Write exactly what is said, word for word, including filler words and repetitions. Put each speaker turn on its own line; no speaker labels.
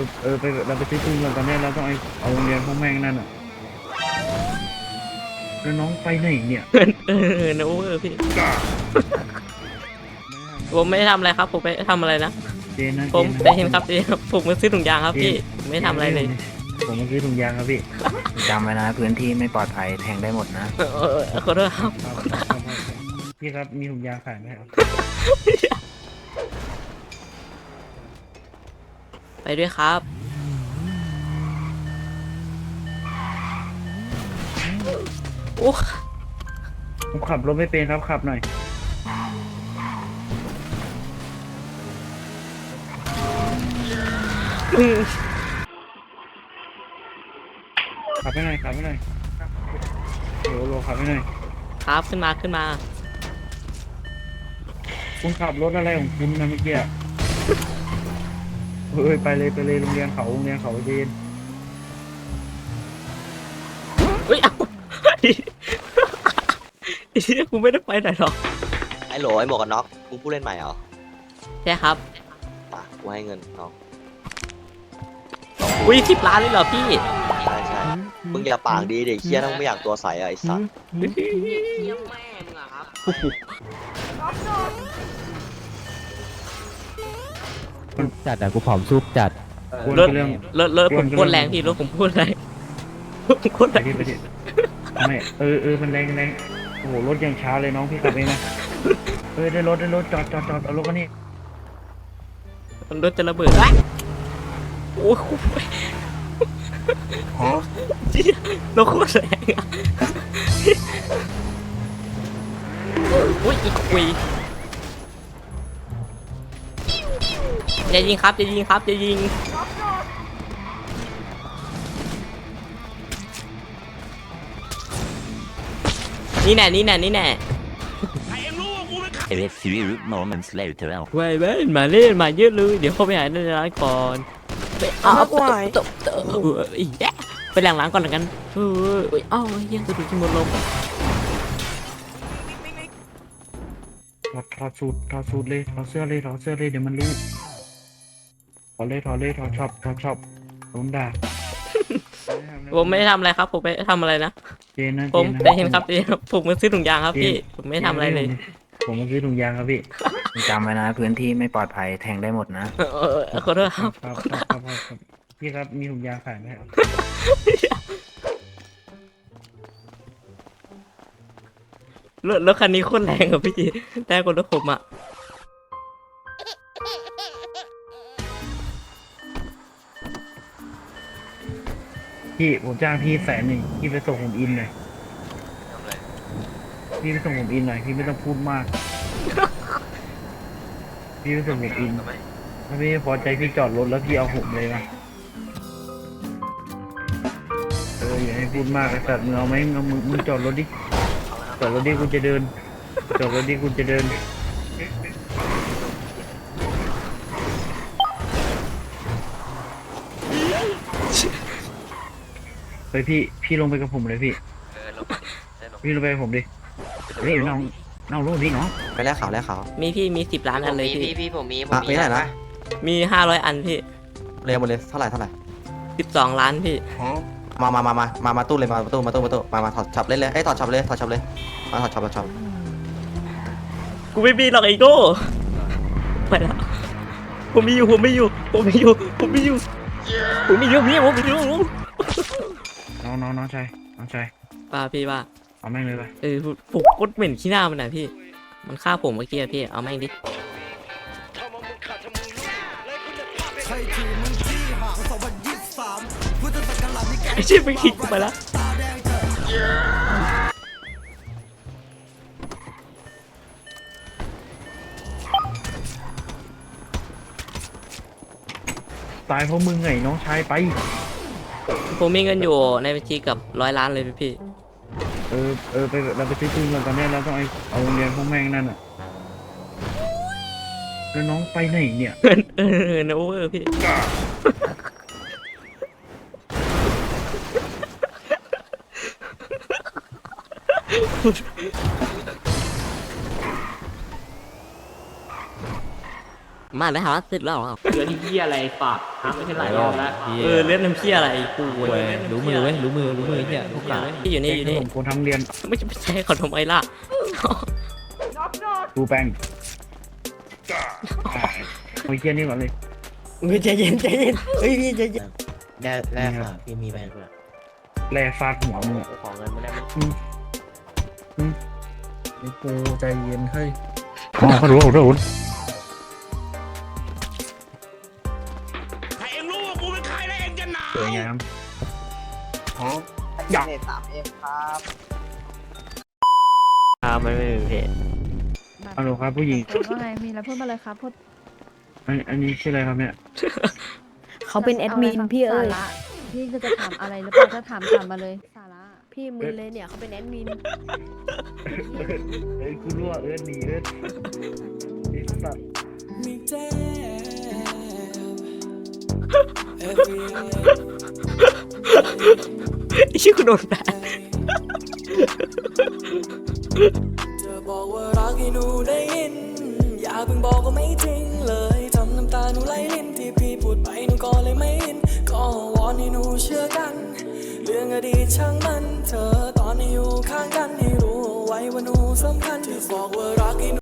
เออไปเราไปซื้อปืนก่อนตอนนี้เราต้องไอเอาโรงเรียนพวกแม่งนั่นอ่ะแล้วน้องไปไหนเนี่ย
เออนะโอเวอร์พี่ผมไม่ได้ทำอะไรครับผมไปทำอะไรนะ
เจนนะ
ผมใจเย็นครับเจนครับผมมาซื้อถุงยางครับพี่ผมไม่ทำอะไรเลย
ผมมาซื้อถุงยางครับพี่
จำไว้นะพื้นที่ไม่ปลอดภัยแทงได้หมดนะ
เออเออขอโทษครับ
ครับครับครับพี่ครับมีถุงยางขายไหมครับ
ไปด้วยครับโอ้
ผมขับรถไม่เป็นครับขับหน่อยขับไปหน่อยขับไปหน่อยโหลโหลขับไปหน่อย
ครับขึ้นมาขึ้นมา
คุณขับรถอะไรของคุณนะเมื่อกี้อะเฮ้ยไปเลยไปเลยโรงเรียนเขาโรงเรียนเขาเจน
เฮ้ยเอาไอ้เหี้ยกูไม่ได้ไปไหนหรอก
ไอ้โหลไอ้หมวกกันน็อกมึงผู้เล่นใหม่เหรอ
ใช่ครับ
ป่ะกูให้เงินน้อง
อุ้ยสิบล้านเลยเหรอพี่
ใช่ใช่มึงอย่าปากดีเด็กเคี้ยถ้ามึงไม่อยากตัวใสอะไอ้สัส
จัดอะกูผอมซุปจัด
ควร
รถ
เป็นเรื่อง
รถรถผมพูดแรงพี่รถผมพูดแรงรถผมพูด
ไป
แรง
ดิไปดิทำไมเออเออมันแรงแรงโอ้โหรถยังช้าเลยน้องพี่ขับเองนะเออได้รถได้รถจอดจอดจอดเอารถมานี่
รถจะระเบิดโอ้โหเจี๊ยรถโคตรแรงอะอุ้ยอีกคุยอย่ายิงครับอย่ายิงครับอย่ายิงนี่แน่นี่แน่นี่แน่
A few moments later.
เว้ยเว้ยมาเล่นมาเยอะเลยเดี๋ยวเข้าไปหาในร้านก่อนไปเอาตบตบอีกแย่ไปหลังร้านก่อนแล้วกันเฮ้ยเอ้าเยังกระดูกที่หมดลม
ถอดถอดสูตรถอดสูตรเลยถอดเสื้อเลยถอดเสื้อเลยเดี๋ยวมันรู้ถอดเลยถอดเลยถอดช็อปถอดช็อปโดนด่า
ผมไม่ได้ทำอะไรครับผมไปทำอะไรนะ
เจนนะ
ผม
จ
ใจเย็นครับเจนครับผมมาซื้อถุงยางครับพี่ผมไม่ทำอะไรเลย
ผมมาซื้อถุงยางครับพี่
จำไว้นะพื้นที่ไม่ปลอดภัยแทงได้หมดนะ
เออเออขอโทษครับ
ครับครับครับครับพี่ครับมีถุงยางขายไหมครับ
รถรถคันนี้โคตรแรงอะพี่แรงกว่ารถผมอะ
พี่ผมจ้างพี่แสนหนึ่งพี่ไปส่งผมอินหน่อยพี่ไปส่งผมอินหน่อยพี่ไม่ต้องพูดมาก พี่ไปส่งผมอินถ้าพี่ไม่พอใจพี่จอดรถแล้วพี่เอาผมเลยมาเอออย่าให้พูดมากไอ้สัตว์มึงเอาไหมมึงเอามึงมึงจอดรถดิจอดรถดิกูจะเดินจอดรถดิกูจะเดินไปพี่พี่ลงไปกับผมเลยพี่พี่ลงไปกับผมดิเฮ้ยน้องน้องลงดิน้อง
ไปแลกขาวแลกขาว
มีพี่มีสิบล้านอันเลยพี่
พี่ผมมีผม
อ่ะ
มี
มีเท่าไหร่นะ
มีห้าร้อยอันพี่
เรียงหมดเลยเท่าไหร่เท่าไหร่
สิบสองล้านพี่
มามามามามามาตู้เลยมาตู้มาตู้มาตู้มามาถอดช็อปเล่นเลยไอ้ยถอดช็อปเลยถอดช็อปเลยมาถอดช็อปถอดช็อป
กูไม่มีหรอกไอ้โก้ไปแล้วผมมีอยู่ผมมีอยู่ผมมีอยู่ผมมีอยู่ผมมีอยู่พี่ผมมีอยู่
น้องน้องน้องชายน้องชาย
ป้าพี่ว่า
เอาแม่งเลยไป
เออผมกดเหม็นขี้หน้ามันนะพี่ มันฆ่าผมเมื่อกี้อะพี่ เอาแม่งดิไอ้เชี่ยไปคิดกูไปแล้ว
ตายเพราะมึงไงน้องชายไป
ผมมีเงินอยู่ในบัญชีกับร้อยล้านเลยพี่
เออเออไปเราไปซื้อปืนก่อนตอนนี้เราต้องไอเอาโรงเรียนพวกแม่งนั่นอ่ะแล้วน้องไปไหนเนี่ย
เออนะโอเวอร์พี่มาได้หาเสร็จแล้วเหรอ
เหลือที่เหี้ยอะไรปากทำไม่ใช่หลายรอบแล้ว
เออเล่นน้ำเพี้ยอะไรกู
เว้ยรู้มือเว้ยรู้มือรู้มือเนี่ยพวกกา
ที่อยู่นี่อยู่
ข
นี่
นมคนทั้งเรียน
ไม่ใช่ไม่ใช่ขอทำไมล่ะ
ดูแป้งโอ้ยเยี่ยนี่ก่อนเลย
เฮ้ยใจเย็นใจเย็นเฮ้ยพี่ใจเย็น
ได้ได้ค่ะพี่มีแป้งแร่ฟาดหัวมึงอะ
ของเงินมาได้ไหม
ไอ้กูใจเย็นเฮ้ยอ๋อเขารู้เขารู้ถ้าเองรู้ว่ากูเป็นใครแล้วเองจะหนาวสวยงามอ๋ออยาก
อ่าไม่ไม่เพจ
ฮัลโหลครับผู้หญิง
ว่าไงมีอะไรพูดมาเลยครับพูด
อันอันนี้ชื่ออะไรครับเนี่ย
เขาเป็นแอดมินพี่เอ้ย
สาระพี่ก็จะถามอะไรหรือเปล่าถ้าถามถามมาเลยสาระ
พี่มึนเลยเนี่ยเขาเป็นแอดมิน
เอ้ยกูรู้ว่าเอิร์ธหนีเอิร์ธไอ้สัตว์
ไอ้ชื่อกูโดนแบน
จะบอกว่ารักให้หนูได้ยินอย่าเพิ่งบอกว่าไม่จริงเลยทำน้ำตาหนูไหลลิ้นที่พี่พูดไปหนูก็เลยไม่ยินก็วอนให้หนูเชื่อกันเรื่องอดีตช่างมันเธอตอนนี้อยู่ข้างกันให้รู้เอาไว้ว่าหนูสำคัญที่บอกว่ารักให้หนู